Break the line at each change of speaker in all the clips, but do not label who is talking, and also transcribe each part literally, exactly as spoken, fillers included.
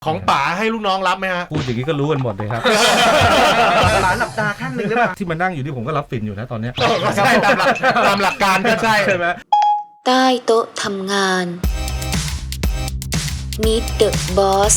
ของป๋าให้ลูกน้องรับไหมฮะ
พูดอย่างนี้ก็รู้กันหมดเลยครับ
ป๋าหลับตาข้างหนึ่งหรือเปล่า
ที่มานั่งอยู่ที่ผมก็รับฟินอยู่นะตอนนี้
ก็ใช่ตามหลักตามหลักการก็ใช่
ใช่ไหม
ใต้โต๊ะทำงาน Meet the Boss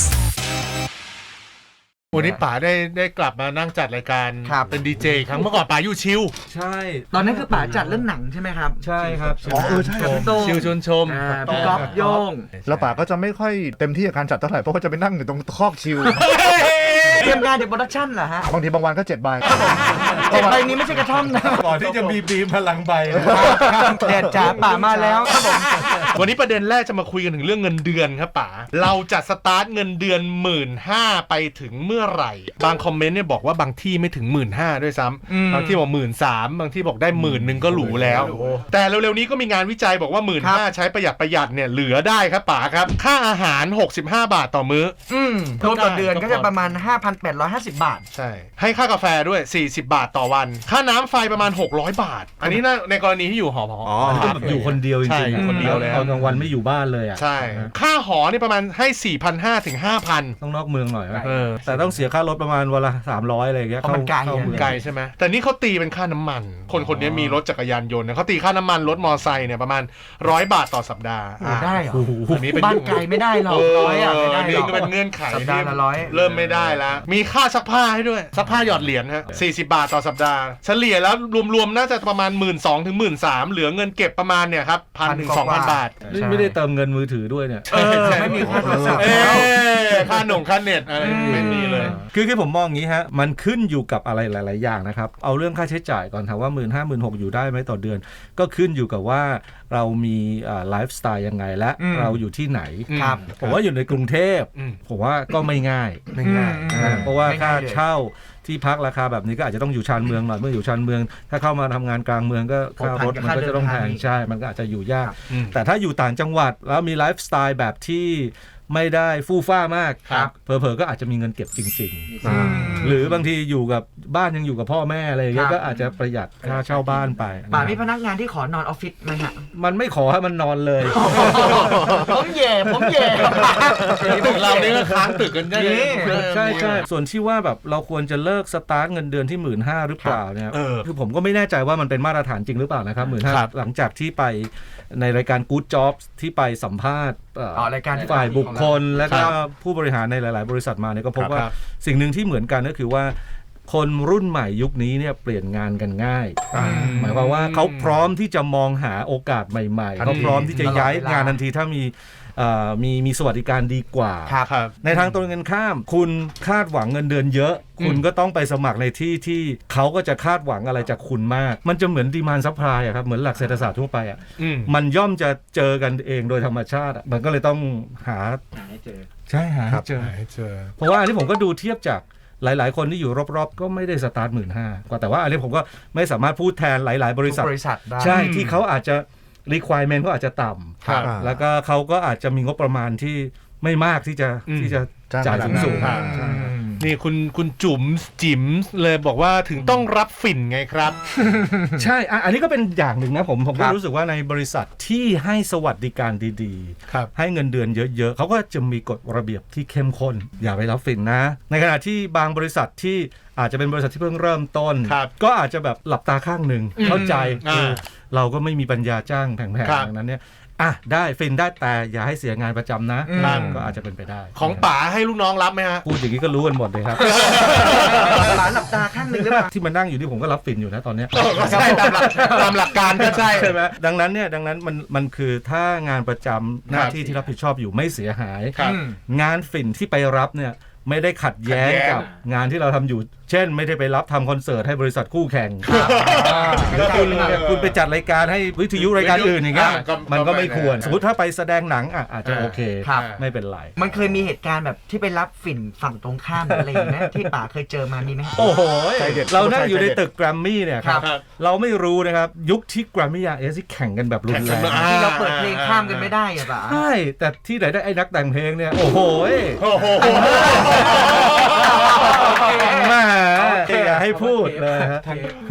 วันนี้ป๋าได้ได้กลับมานั่งจัดรายการเป็นดีเจครั้งเมื่อก่อนป๋าอยู่ชิล
ใช่
ตอนนั้นคือป๋าจัดเรื่องหนังใช่ไหมครับ
ใช่ครับ
อ๋อเออใช่
ชิลชวนชม
พี่ก๊อฟโยง
แล้วป๋าก็จะไม่ค่อยเต็มที่กับการจัดเท่าไหร่เพราะว่าจะไปนั่งอยู่ตรงคอกชิล
เตรียมงานเดี๋ยวโปรดักชั่นเหรอฮะ
บางทีบางวันก็เจ็ดใบ
เจ็ดใบนี้ไม่ใช่กระท่อมนะ
ก่อนที่จะมีบีมพลังใบ
แดดจ๋าป๋ามาแล้วครับผม
วันนี้ประเด็นแรกจะมาคุยกันถึงเรื่องเงินเดือนครับป๋าเราจะสตาร์ทเงินเดือนหมื่นห้าไปถึงเมื่อไหร่บางคอมเมนต์เนี่ยบอกว่าบางที่ไม่ถึงหมื่นห้าด้วยซ้ำบางที่บอกหมื่นสามบางที่บอกได้หมื่นหนึ่งก็หรูแล้วแต่เร็วๆนี้ก็มีงานวิจัยบอกว่าหมื่นห้าใช้ประหยัดประหยัดเนี่ยเหลือได้ครับป๋าครับค่าอาหารหกสิบห้าบาทต่อมื้อ
อืมรวมต่อเดือนก็จะประมาณ ห้าพันแปดร้อยห้าสิบ บาท
ใช่ให้ค่ากาแฟด้วยสี่สิบบาทต่อวันค่าน้ำไฟประมาณหกร้อยบาทอันนี้นะในกรณีที่อยู่หอพอ
อยู่คนเดียวจริง
ๆคนเดียวเลย
ตอนกลางวันไม่อยู่บ้านเลยอ่ะ
ใช่ค่าหอนี่ประมาณให้ สี่พันห้าร้อย ถึง ห้าพัน
ต้องนอกเมืองหน่อยแต่ต้องเสียค่ารถประมาณวันละสามร้อยอะไรอย่างเงี้ย
เข้าเข้า
ไกลใช่ไหมแต่นี่เขาตีเป็นค่าน้ำมันคนคนนี้มีรถจักรยานยนต์เขาตีค่าน้ำมันรถมอไซค์เนี่ยประมาณร้อยบาทต่อสัปดาห์
ได้เหรออันนี้เป็นบ้านไกลไม่ได้หรอกร้อยอ่ะไม่ได้
นี่ก็เป็นเงื่อนไข
สัปดาห์ละร้อย
เริ่มไม่ได้แล้วมีค่าซักผ้าให้ด้วยซักผ้าหยอดเหรียญฮะสี่สิบบาทต่อสัปดาห์เฉลี่ยแล้วรวมๆน่าจะประมาณ หนึ่งหมื่นสองพัน ถึง หนึ่งหมื่นสามพัน เหลือเงินเก็บประมาณเนี่ยครับ หนึ่งพัน ถึง สองพัน บาท
ไม่ได้เติมเงินมือถือด้วยเนี่ย
ไม่มีค่าโทรศัพท์
ค่าหนุ่งค่าเน็ตอะไรไม่มีเลย
คือคือผมมองอย่างนี้ฮะมันขึ้นอยู่กับอะไรหลายๆอย่างนะครับเอาเรื่องค่าใช้จ่ายก่อนถามว่า หนึ่งหมื่นห้าพัน หนึ่งหมื่นหกพัน อยู่ได้ไหมต่อเดือนก็ขึ้นอยู่กับว่าเรามีไลฟ์สไตล์ยังไงและเราอยู่ที่ไหนผมว่าอยู่ในกรุงเทพผมว่าก็ไม่ง่าย
ไม่ง่าย
เพราะว่าค่าเช่าที่พักราคาแบบนี้ก็อาจจะต้องอยู่ชานเมืองหน่อยเมื่ออยู่ชานเมืองถ้าเข้ามาทำงานกลางเมืองก็ค่ารถมันก็จะต้องแพงใช่มันก็อาจจะอยู่ยากแต่ถ้าอยู่ต่างจังหวัดแล้วมีไลฟ์สไตล์แบบที่ไม่ได้ฟู่ฟ้ามากเผลอๆก็อาจจะมีเงินเก็บจริงๆหรือบางทีอยู่กับบ้านยังอยู่กับพ่อแม่อะไรอย่างเงี้ยก็อาจจะประหยัดค่าเช่าบ้านไป
ป่ามีพนักงานที่ขอนอนออฟฟิศไหมฮะ
มันไม่ขอให้มันนอนเลย
ผมแย่ผมแย่
ตึกเรานี่ก็ค้างตึกกันได้
ใช่ใช่ส่วนที่ว่าแบบเราควรจะเลิกสตาร์ทเงินเดือนที่หมื่นห้าหรือเปล่าเนี่ยคือผมก็ไม่แน่ใจว่ามันเป็นมาตรฐานจริงหรือเปล่านะครับหมื่นห้าหลังจากที่ไปในรายการ Good Jobs ที่ไปสัมภาษณ์
รายการ
ฝ่ายบุคคลและก็ผู้บริหารในหลายๆบริษัทมาเนี่ยก็พบว่าสิ่งหนึ่งที่เหมือนกันก็คือว่าคนรุ่นใหม่ยุคนี้เนี่ยเปลี่ยนงานกันง่ายหมายความว่าเขาพร้อมที่จะมองหาโอกาสใหม่ๆเขาพร้อมที่จะย้ายงานทันทีถ้ามีมีมีสวัสดิการดีกว่าในทางตรงกันข้ามคุณคาดหวังเงินเดือนเยอะคุณก็ต้องไปสมัครในที่ที่เขาก็จะคาดหวังอะไรจากคุณมากมันจะเหมือนดีมานด์ซัพพลายอะครับเหมือนหลักเศรษฐศาสตร์ทั่วไปอะมันย่อมจะเจอกันเองโดยธรรมชาติมันก็เลยต้องหา
ให้เจอ
ใช่หาให้เจอเพราะว่าอันนี้ผมก็ดูเทียบจากหลายๆคนที่อยู่รอบๆก็ไม่ได้สตาร์ทหมื่นห้ากว่าแต่ว่าอันนี้ผมก็ไม่สามารถพูดแทนหลายๆบริษัทใช่ที่เขาอาจจะrequirement ก็อาจจะต่ำแล้วก็เขาก็อาจจะมีงบประมาณที่ไม่มากที่จะที่จะจ่ายสูงๆ
นี่คุณคุณจุ๋มจิ๋มเลยบอกว่าถึงต้องรับฝิ่นไงครับ
ใช่อันนี้ก็เป็นอย่างหนึ่งนะผมผมก็รู้สึกว่าในบริษัทที่ให้สวัสดิการดีๆให้เงินเดือนเยอะๆเขาก็จะมีกฎระเบียบที่เข้มข้นอย่าไปรับฝิ่นนะในขณะที่บางบริษัทที่อาจจะเป็นบริษัทที่เพิ่งเริ่มต้นก็อาจจะแบบหลับตาข้างหนึ่งเข้าใจเราก็ไม่มีปัญญาจ้างแพงๆอย่างนั้นเนี่ยอ่ะได้ฟินได้แต่อย่าให้เสียงานประจำนะก็อาจจะเป็นไปได้
ของป๋าให้ลูกน้องรับไหมฮะ
พูดอย่างนี้ก็รู้กันหมดเลยครับ
ป๋าหลับตาข้างหนึ่งหรือเปล่า
ที่มานั่งอยู่ที่ผมก็รับฟินอยู่นะตอนนี้
ก็ใช่ตามหลักตามหลักการก็ใช่
ใช่ไหมดังนั้นเนี่ยดังนั้นมันมันคือถ้างานประจำหน้าที่ที่รับผิดชอบอยู่ไม่เสียหายงานฟินที่ไปรับเนี่ยไม่ได้ขัดแย้งกับงานที่เราทำอยู่เช่นไม่ได้ไปรับทำคอนเสิร์ตให้บริษัทคู่แข่งแล้วคุณคุณไปจัดรายการให้วิทยุรายการอื่นอย่างเงี้ยมันก็ไม่ควรสมมติถ้าไปแสดงหนังอ่ะอาจจะโอเคไม่เป็นไร
มันเคยมีเหตุการณ์แบบที่ไปรับฝิ่นฝั่งตรงข้ามอะไรอย่างเงี้ยที่ป๋าเคยเจอมามีไหม
โอ้โหเรานั่งอยู่ในตึกแกรมมี่เนี่ยครับเราไม่รู้นะครับยุคที่แกรมมี่อาร์เอสที่แข่งกันแบบรุนแรง
ที่เราเปิดเพลงข้ามกันไม่ได้อะป๋า
ใช่แต่ที่ไหนได้ไอ้นักแต่งเพลงเนี่ยโอ้โหมาอย่าให้พูดเลยฮะ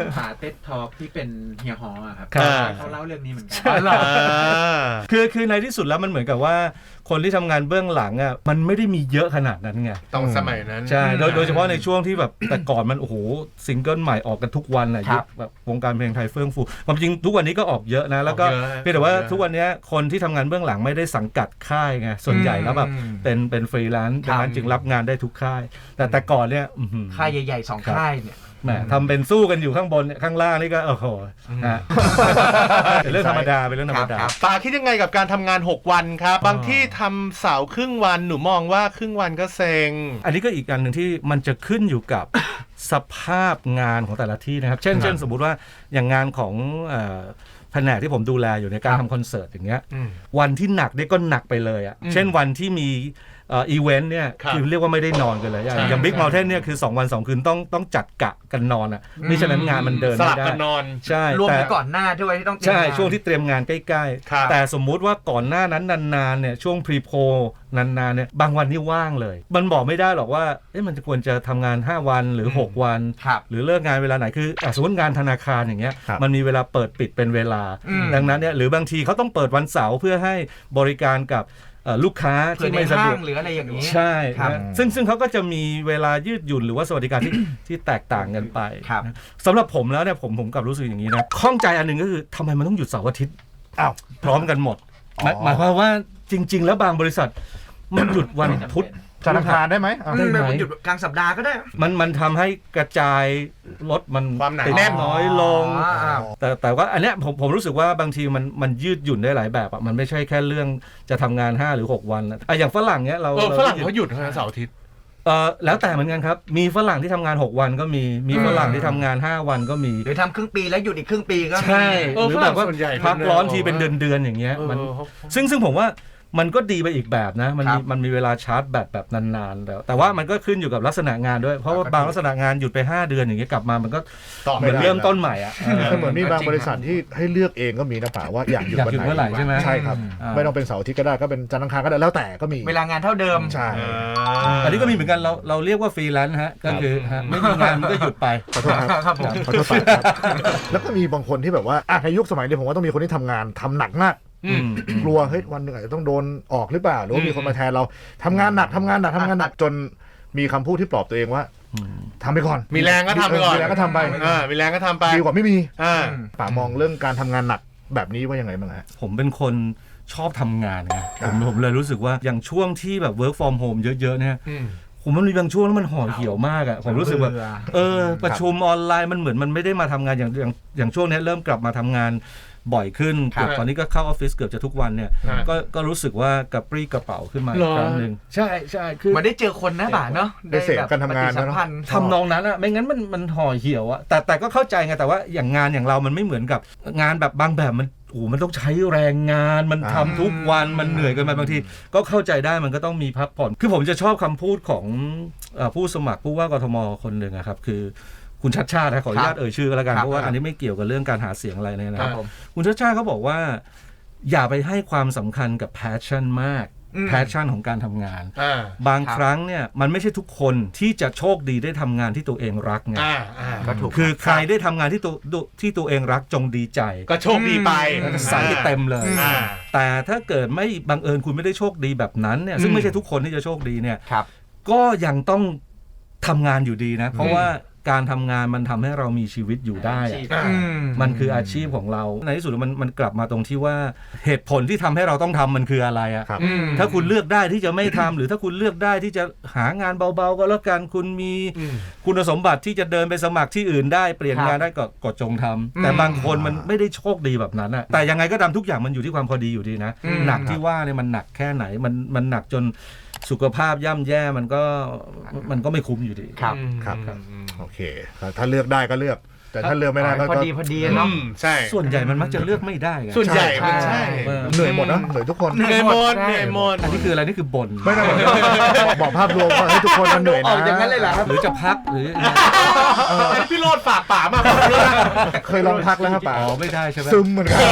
หาเต็ดทอล์กที่เป็นเฮียฮออะครับ
ครับ
เขาเล่าเรื่องนี้เหมือนกัน
อ่า
คือคือในที่สุดแล้วมันเหมือนกับว่าคนที่ทำงานเบื้องหลังอ่ะมันไม่ได้มีเยอะขนาดนั้นไง
ต้องสมัยนั้น
ใช่โดยโดยเฉพาะในช่วงที่แบบ แต่ก่อนมันโอ้โหซิงเกิลใหม่ออกกันทุกวันอะ
ครั
ยุ
บ
คแบบวงการเพลงไทยเฟื่องฟูความจริงทุกวันนี้ก็ออกเยอะนะแล้วก็
ออกเยอะ
เพียงแต่ว่า
ออกเยอะ
ทุกวันนี้คนที่ทำงานเบื้องหลังไม่ได้สังกัดค่ายไงส่วนใหญ่แล้วแบบ
อืม
เป็นเป็นฟรีแลนซ์
ครั
ดั
บ
งนั้นจึงรับงานได้ทุกค่าย แต่แต่ก่อนเนี่ยอื้อหือ
ค่ายใหญ่ๆสองค่ายเนี่ย
แหมทำเป็นสู้กันอยู่ข้างบนเนี่ยข้างล่างนี่ก็โอ้โหนะ เป็นเรื่องธรรมดาเป็นเรื่องธรรมดา
ครับ
ป๋าคิดยังไงกับการทำงานหกวันครับ บางที่ทำเสาร์ครึ่งวันหนูมองว่าครึ่งวันก็เซ็ง
อันนี้ก็อีกอันหนึ่งที่มันจะขึ้นอยู่กับ สภาพงานของแต่ละที่นะครับ เช่น
ครับ
เช่นสมมุติว่าอย่างงานของเอ่อแผนกที่ผมดูแลอยู่ในการ
ครับ
ทำคอนเสิร์ตอย่างเงี้ย
อืม
วันที่หนักเนี่ยก็หนักไปเลยอ่ะ
อืม
เช่นวันที่มีเอ่ออีเวนต์เนี่ย
ครับ
คือเรียกว่าไม่ได้นอนกันเลย
ใช่
อย่างบิ๊ก
ใช่
เมลเทนเนี่ยคือสองวันสองคืนต้องต้องจัดกะกันนอนอ่ะมิฉะนั้นงานมันเดิน
ส
ไม่
ลับ
ได้
กันนอน
ใช่
รวม
แต่
ถึงก่อนหน้าด้วยที่ต้องเตรียม
ใช่
งาน
ช่วงที่เตรียมงานใกล้
ครับ
ๆ แต่สมมุติว่าก่อนหน้านั้นนานๆเนี่ยช่วงพรีโพนานๆเนี่ยบางวันนี่ว่างเลย มันบอกไม่ได้หรอกว่าเอ๊ะมันจะควรจะทำงานห้าวันหรือหกวัน
ครับ
หรือเลิกงานเวลาไหนคืออ่ะสมมติงานธนาคารอย่างเงี้ย
ครับ
มันมีเวลาเปิดปิดเป็นเวลา
อืม
ดังนั้นเนี่ยหรือบางทีเขาต้องเปิดวันเสาร์เพื่อให้บริการกับเอ่อลูกค้า
เผื่อ
ที่
ใน
ไม่สะ
ห้า
ดว
ง
ก
หรืออะไรอย่างนี้
ใช่
ครับ
นะซึ่งซึ่งเขาก็จะมีเวลายืดหยุ่นหรือว่าสวัสดิการที่ ที่แตกต่างกันไป
ครับ
นะสำหรับผมแล้วเนี่ยผมผมกลับรู้สึกอย่างนี้นะข้องใจอันหนึ่งก็คือทำไมมันต้องหยุดเสาร์อาทิตย์
อ้าว
พร้อมกันหมดหมาย
อ๋อ
หมายความว่าจริง ๆ แล้วบางบริษัทมันหยุดวันพุธ
ธนาคารได้ไหมอ่ะ
อืม
ได้ไหม
แบบหยุดกลางสัปดาห์ก็ได้
มันมันทำให้กระจายรถมัน
ความหนา
ติด
แน่น
น้อยลง
อ๋ออ่า
แต่แต่ว่าอันเนี้ยผมผมรู้สึกว่าบางทีมันมันยืดหยุ่นได้หลายแบบอ่ะมันไม่ใช่แค่เรื่องจะทำงานห้าหรือหกวันนะอ่ะอย่างฝรั่งเนี้ยเรา
เออ
เรา
ฝรั่งเขาหยุดนะเสาร์อาทิตย์
เออแล้วแต่เหมือนกันครับมีฝรั่งที่ทำงานหกวันก็มีมีฝรั่งที่ทำงานห้าวันก็มี
หรือทำครึ่งปีแล้วหยุดอีกครึ่งปีก็มี
ใช่
เออ
หรือแบบว่า
ฝรั่งส่วนใหญ่
พัก
เป็น
ร้อน
แนว
ทีเป็นเดือนเดือนๆอย่างเงี้ย
เออ
มัน
เขา
ซึ่งซึ่งผมว่ามันก็ดีไปอีกแบบนะมันมี
ครับ
มันมีเวลาชาร์จแบตแบบนานๆแล้วแต่ว่ามันก็ขึ้นอยู่กับลักษณะงานด้วยเพราะว่า
ครับ
บางลักษณะงานหยุดไปห้าเดือนอย่างเงี้ยกลับมามันก็
ต่อ
เห
ไม่
มือน
ได้
เริ่มต้นใหม่อ่ะ
คือเหมือนมีบาง
จริง
บริษัทที่ให้เลือกเองก็มีนะป่าว่าอยากหยุด
อยาก
วัน
หยุด
ไหน
เมื่อไหร่ใช่ไหม
ใช่ครับ
อ่า
ไม่ต้องเป็นเสาร์อาทิตย์ก็ได้ก็เป็นจันทร์อังคารก็ได้แล้วแต่ก็มี
เวลางานเท่าเดิม
ใช่
อันนี้ก็มีเหมือนกันเราเราเรียกว่าฟรีแลนซ์ฮะก็คือฮะไม่มีงานมันก็หยุดไป
ขอโทษครับ
ครับผม
ขอโทษครับ แล้วก็มีบางคนที่แบบว่าอ่ะในยุคสมัยนี้ผมว่าต้องมีคนที่ทำงานทำหนักมาก
อืม
กลัวเฮ้ยวันหนึ่งอาจจะต้องโดนออกหรือเปล่าหรือว่ามีคนมาแทนเราทำงานหนักทำงานหนักทำงานหนักจนมีคำพูดที่ปลอบตัวเองว่าทำไปก่อน
มีแรงก็ทำไปก่อน
มีแรงก็ทำไป
อ่ามีแรงก็ทำไป
ดีกว่าไม่มี
อ่า
ป่ามองเรื่องการทำงานหนักแบบนี้ว่ายังไงบ้างฮะ
ผมเป็นคนชอบทำงานไงผมผมเลยรู้สึกว่าอย่างช่วงที่แบบ work from home เยอะๆเนี่ย
อืม
ผมมันมีบางช่วงแล้วมันห่อเหี่ยวมากอ่ะผมรู้สึกแบบ
เบื่อ
เออประชุมออนไลน์มันเหมือนมันไม่ได้มาทำงานอย่างอย่างอย่างช่วงนี้เริ่มกลับมาทำงานบ่อยขึ้น
ครับ
เกือบตอนนี้ก็เข้าออฟฟิศเกือบจะทุกวันเนี่ย
ครับ
ก็ก็รู้สึกว่ากระปรี้กระเป๋าขึ้นมา
เห
อี
ร
ก
อ
ครั้งหนึ่งใช่ใช่คือ
มันได้เจอคนนะบ่าเนาะ
ได้เสพการทำงาน
ปฏิสัมพันธ์
ทำนองนั้นอะไม่งั้นมันมันห่อเหี่ยวอะแต่แต่ก็เข้าใจไงแต่ว่าอย่างงานอย่างเรามันไม่เหมือนกับงานแบบบางแบบมันโอ้โหมันต้องใช้แรงงานมัน
อ่า
ทำทุกวันมันเหนื่อยเกันไปบางที ก็เข้าใจได้มันก็ต้องมีพักผ่อนคือผมจะชอบคำพูดของเอ่อผู้สมัครผู้ว่ากทมคนหนึ่งอะครับคือคุณชัดชาตินะขออนุญาตเอ่ยชื่อก็แล้วกัน
ครับ
เพราะว่าอันนี้ไม่เกี่ยวกับเรื่องการหาเสียงอะไรเลย
ค
นะ
รับผม
คุณชัดชาติเขาบอกว่า อย่าไปให้ความสำคัญกับ passion มาก
อืม
passion ของการทำงาน
อ่า
บาง
ครับ
ครั้งเนี่ยมันไม่ใช่ทุกคนที่จะโชคดีได้ทำงานที่ตัวเองรักไง
อ่าอ่า
ก็ถูก
คือใครได้ทำงานที่ตัวที่ตัวเองรักจงดีใจ
ก็โชคดีไป
อืม
ใส่ให้เต็มเลย
อ่า
แต่ถ้าเกิดไม่บังเอิญคุณไม่ได้โชคดีแบบนั้นเนี่ยซึ่งไม่ใช่ทุกคนที่จะโชคดีเนี่ย
ครับ
ก็ยังต้องทำงานอยู่ดีนะ เพราะว่าการทำงานมันทำให้เรามีชีวิตอยู่ได้อะ
อ่า
อืม
มันคืออาชีพของเราในที่สุดแล้วมันมันกลับมาตรงที่ว่าเหตุผลที่ทำให้เราต้องทำมันคืออะไรอะ
ครับ
อืม
ถ้าคุณเลือกได้ที่จะไม่ทำหรือถ้าคุณเลือกได้ที่จะหางานเบาๆก็แล้วกันคุณมี
อืม
คุณสมบัติที่จะเดินไปสมัครที่อื่นได้เปลี่ยน
ครับ
งานได้ก็ก็จงทำแต่
อืม
บางคนมันไม่ได้โชคดีแบบนั้นอะแต่ยังไงก็ตามทุกอย่างมันอยู่ที่ความพอดีอยู่ดีนะ
อืม
หนักที่ว่าเนี่ยมันหนักแค่ไหนมันมันหนักจนสุขภาพย่ำแย่มันก็มันก็ไม่คุ้มอยู่ดี
ครับ
ครับ
อืม
โอเคถ้าเลือกได้ก็เลือก แต่ถ้าเลือกไม่ได้ก็
พอ
ก็
ดีพอดี
อื
เนาะ
มใช่
ส่วนใหญ่มันมักจะเลือกไม่ได้ไง
ส่วนใหญ่มัน
ใช่
ใช่
เออ
เหนื่อยหมดนะเหนื่อยทุกคน
เหนื่อยหมดเหนื่อยหมด
อันนี้คืออะไรนี่คือบ่น
ไม่ได้บอกภาพรวมว่าให้ทุกคนมันเหนื่อย
อ
นะ
อกอย่างนั้นเลยเหรอครับ
หรือจะพักหรือ
อันนี้พี่โรดฝากป๋ามา
เคยลองพักแล้วครับป่า
อ๋อไม่ได้ใช่ไหม
ซึมเหมือนกัน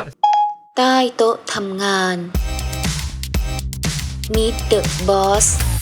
ใต้โต๊ะทำงาน Meet the Boss